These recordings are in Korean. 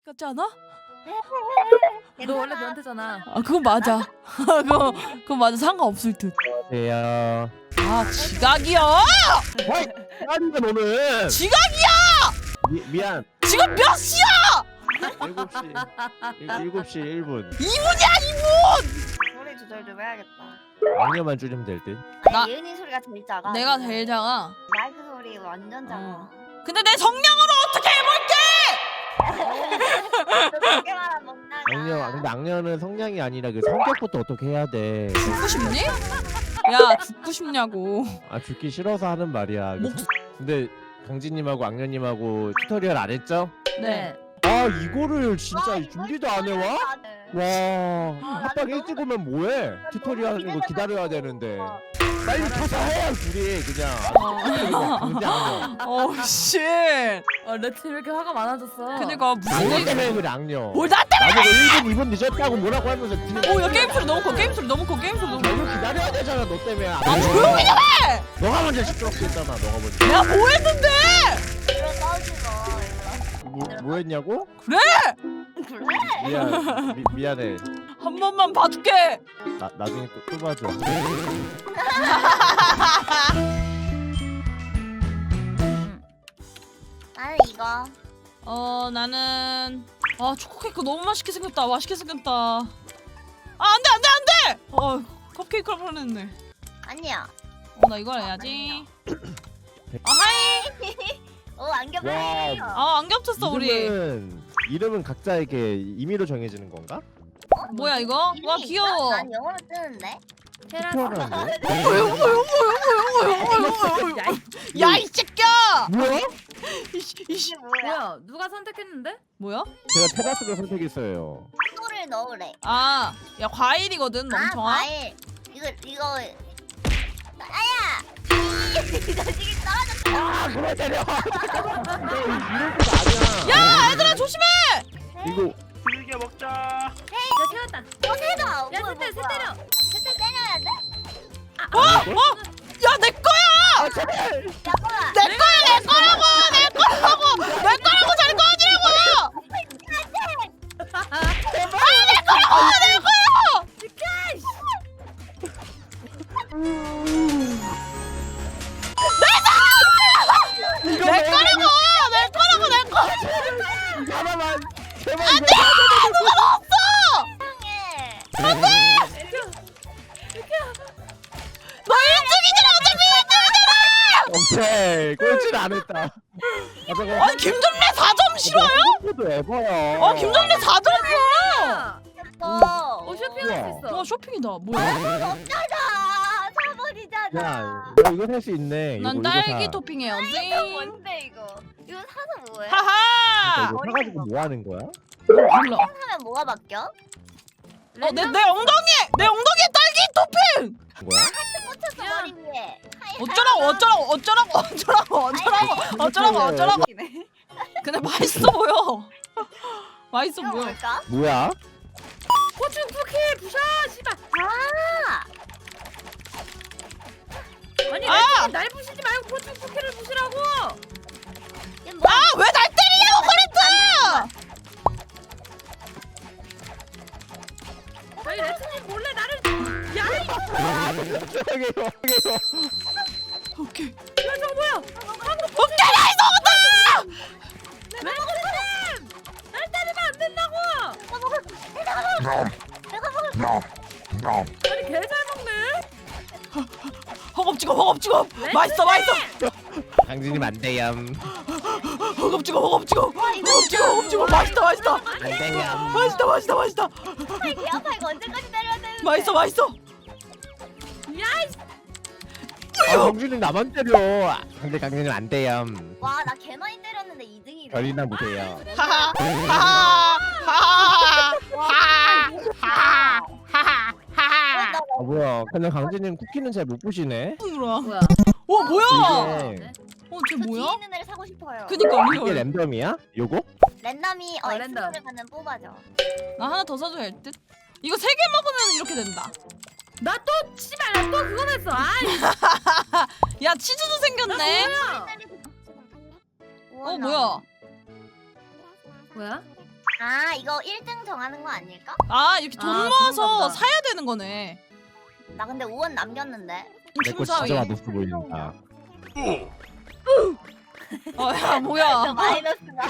같지 않아? 너 원래 변태잖아. 아 그건 맞아. 그건 맞아. 상관없을 듯. 안녕하세요. 아 지각이야. 아닌데 너는. 지각이야. 미안. 지금 몇 시야? 7시 1분. 2분이야 2분. 소리 조절 좀 해야겠다. 악녀만 줄이면 될 듯. 나- 아니, 예은이 소리가 제일 작아. 내가 제일 작아. 마이크 소리 완전 작아. 근데 내 성량으로 어떻게 해볼게? 그렇게 말하면 못나가. 악녀, 근데 악녀는 성량이 아니라 그 성격부터 어떻게 해야 돼. 죽고 싶니? 야 죽고 싶냐고. 아 죽기 싫어서 하는 말이야. 목- 근데 강진님하고 악녀님하고 튜토리얼 안 했죠? 네. 아 이거를 진짜 이거 준비도 안 해와? 와 합방 나도 일찍 오면 뭐해? 튜토리얼 하는 거 기다려야 되는데 어. 빨리 가서 해야 둘이 그냥 강제 악녀. 어 씨. 레트 왜 이렇게 화가 많아졌어? 그니까 악녀 무슨 때문에 그래 악녀. 뭘나 때문에? 나보고 1분 2분 늦었다고 뭐라고 하면서 뒤에 오야 게임 소리 너무 커. 게임 소리 너무 커. 게임 소리 너무 커. 이거 기다려야 되잖아 너 때문에. 아 조용히 좀 해. 너가 먼저 시끄럽게 했잖아 너가 먼저. 내가 뭐 했는데? 이런 싸우지 마. 뭐 했냐고? 그래. 그래? 미안해. 한 번만 봐줄게. 나중에 또 봐줘. 나는 이거. 나는 초코 케이크 너무 맛있게 생겼다. 맛있게 생겼다. 안돼 안돼 안돼. 컵케이크를 보냈네. 아니야. 나 이걸 해야지. 하이. 오 안경 와. 빨리. 안 겹쳤어 우리. 이름은 각자에게 임의로 정해지는 건가? 뭐야 이거? 와 귀여워. 난 영어로 뜨는데. 특별한데? 야 이 새끼야. 뭐야? 이씨. 뭐야? 누가 선택했는데? 뭐야? 제가 테라스를 선택했어요. 소를 넣으래. 야 과일이거든 멍청아. 과일. 이거. 아야. 이 자식이 떨어졌어. 아, 그만 때려! 이럴 거 아니야. 야 얘들아 조심해. 이거 길게 먹자. 야 태웠다. 세다. 야 세 때려. 세대 때려야 돼? 야 내 거야. 잠깐만. 내 거라고 잘 꺼지라고. 내 거. 하나만 제발 너 1등이잖아 어차피. 오케이 꼴찌는 안 했다. 아니 김정래 4점 싫어요? 도 에버야. 김정래 4점이야. 쇼핑할 수 있어. 와 쇼핑이다. 뭐야? 없잖아. 4번이잖아. 야, 너 이거 살 수 있네. 난 이거 딸기 사. 토핑해야지. 이거 뭔데 이거? 이거 사서 뭐해? 하하. 이거 사가지고 뭐 하는 거야? 몰라. 하면 뭐가 바뀌어? 내 엉덩이에 딸기 토핑. 뭐야? 꽂혔어 야. 머리 위에. 어쩌라고. 근데 맛있어 보여. 맛있어 이거 보여. 뭘까? 뭐야? 고추 쿠키 부셔 씨발. 아, 아니 아! 날 부시지 말고 고추 쿠키를 부시라고. 이게 뭐야? 왜 날 때리냐고 그랬어. 아니 레트님 몰래 나를. 야 저기요. 오케이. 이거 저거 뭐야? 오케이 나이스 먹었다. 레트님 날 때리면 안 된다고. 아니 개 잘 먹네. 허겁지겁. 맛있어. 강진님 안 돼요. 허겁지겁. 맛있다. 안 돼요. 맛있다. 개 아파 이거 언제까지 때려야 되는데? 맛있어. 야이 아, 강진님 나만 때려. 근데 강진님 안 돼요. 와, 나 개 많이 때렸는데 2등이래. 별이나 보세요. 아 뭐야? 근데 강진님 쿠키는 잘 못 부시네. 뭐야? 뭐야? 뭐야? 이게 쟤 저 뒤에 뭐야? 있는 애를 사고 싶어요. 그니까 이게 리얼. 랜덤이야? 요거? 랜덤이 랜덤. 엑스를 가면 뽑아줘. 나 하나 더 사줘야 할 듯. 이거 3개 먹으면 이렇게 된다. 나 또 씨발 나 또 그거 했어. 아이 야 치즈도 생겼네. 뭐야? 우와, 나 뭐야? 뭐야? 아 이거 1등 정하는 거 아닐까? 아 이렇게 돈 아, 모아서 그런가 보다. 사야 되는 거네. 나 근데 5원 남겼는데. 내 거 중사위. 진짜 맛없어 보인다. 야 저 뭐야? 마이너스가.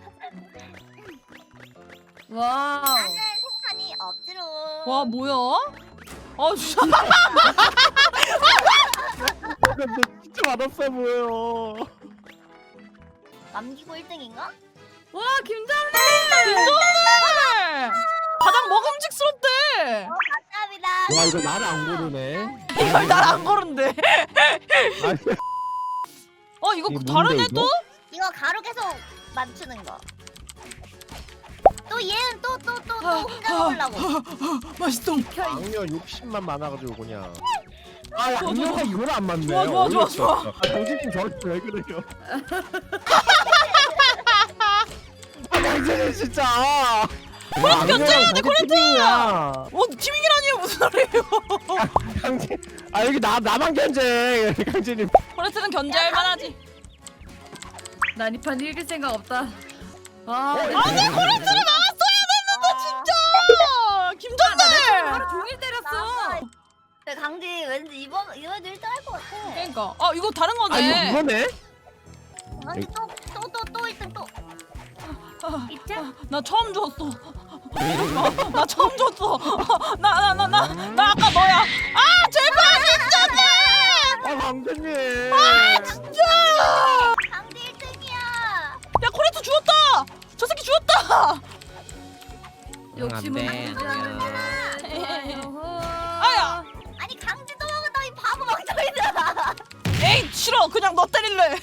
와. 나는 생산이 없지로. 와 뭐야? 아 진짜. 근데 진짜 맛없어 보여. 남기고 1등인가? 와 김정래. 가장 먹음직스럽대. 감사합니다. 와 이거 나를 안 고르네. 이걸 날 안 고른대. 아니, 이거 이게 다른 뭔데, 애도? 이거 가루 계속 맞추는 거. 또 얘는 또 혼자 먹으려고. 맛있어. 악녀 욕심만 많아가지고 그냥. 아 악녀가 이걸 안 맞네. 좋아, 좋아, 좋아, 어이없어. 좋아. 아 당신님 저한테 왜 그래요? 아 당신님 진짜. 견제해야 돼, 코레트야. 티밍이라니요 무슨 소리예요? 당신 아 여기 나만 견제. 당신님. 코레트는 견제할 만하지. 난 이 판 이길 생각 없다. 와. 아니 코레트를 나왔어야 됐는데 진짜. 김정래. 하루 종일 때렸어. 근데 강지 왠지 이번에도 1등 할 것 같아. 그러니까 이거 다른 아 이거 거네. 그거네? 강지 또 1등 또. 입장. 나 처음 줬어. 나 처음 줬어. 나 아까 너야. 아 제발 진짜네. 아 강재님. 아 진짜. 강지 1등이야. 야 코레트 죽었다. 저 새끼 죽었다. 욕심은 안 돼, 부리지 않는 아야. 아니 강지 또 먹은다 이 바보 멍청이들아. 에이 싫어. 그냥 너 때릴래.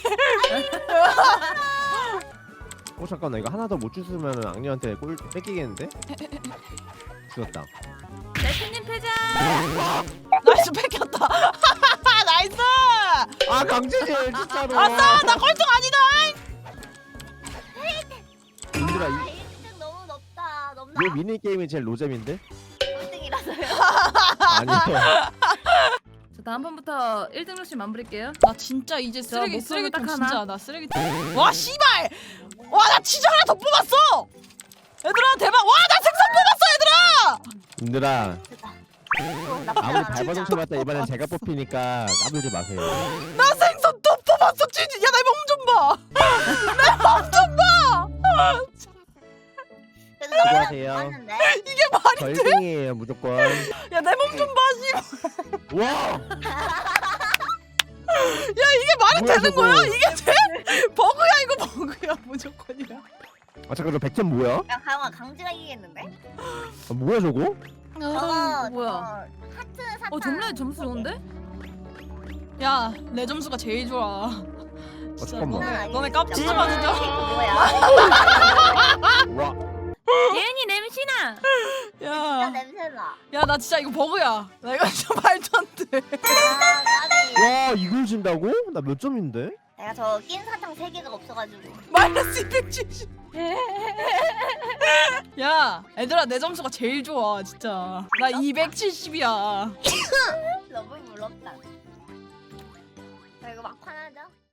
잠깐 나 이거 하나 더 못 주스면 악녀한테 골 뺏기겠는데? 죽었다. 레트님 패자. 나이스 뺏겼다. 나이스. 아 강재님 진짜로. 아싸 나 꼴등 아니다. 얘들아 1등 너무 높다. 넘나. 이 미니 게임이 제일 노잼인데? 1등이라서요. 아니요. 자 다음번부터 1등 욕심 안 부릴게요. 나 진짜 이제 쓰레기 목표는 쓰레기통 딱 하나. 진짜 나 쓰레기통. 와 씨발. 와 나 진짜 하나 더 뽑았어. 얘들아 대박. 와 나 생선 뽑았어 얘들아. 얘들아 나쁘지 아무리 않아. 발버둥 쳐봤다 이번엔 제가 뽑히니까 까불지 마세요. 나 생선 또 뽑았어 진짜. 야 내 몸 좀 봐. 내 몸 좀 봐. 그래도 나쁘지 수고하세요. 않았는데. 이게 말이 돼? 절등이에요 무조건. 야 내 몸 좀 봐. 씨. 와. 야 이게 말이 뭐야, 되는 저거. 거야? 이게 돼? 버그야 이거 버그야 무조건이야. 아 잠깐 저 100점 뭐야? 야 가영아 강지가 이기겠는데? 아, 뭐야 저거? 저거 뭐야? 저거 하트 사탕. 점례 점수 좋은데? 야 내 점수가 제일 좋아. 진짜 잠깐만. 너네 깝치지 마 진짜. 뭐야? 와. 예은이 냄새나. 진짜 야, 냄새나. 야 나 진짜 이거 버그야. 나 이거 진짜 말도 안 돼. 아 까비. 와 이걸 진다고? 나 몇 점인데? 내가 저 낀 사탕 3개가 없어가지고. 마이너스 270. 야, 얘들아 내 점수가 제일 좋아 진짜. 나 270이야. 너무 부럽다. 자 이거 막판 하자.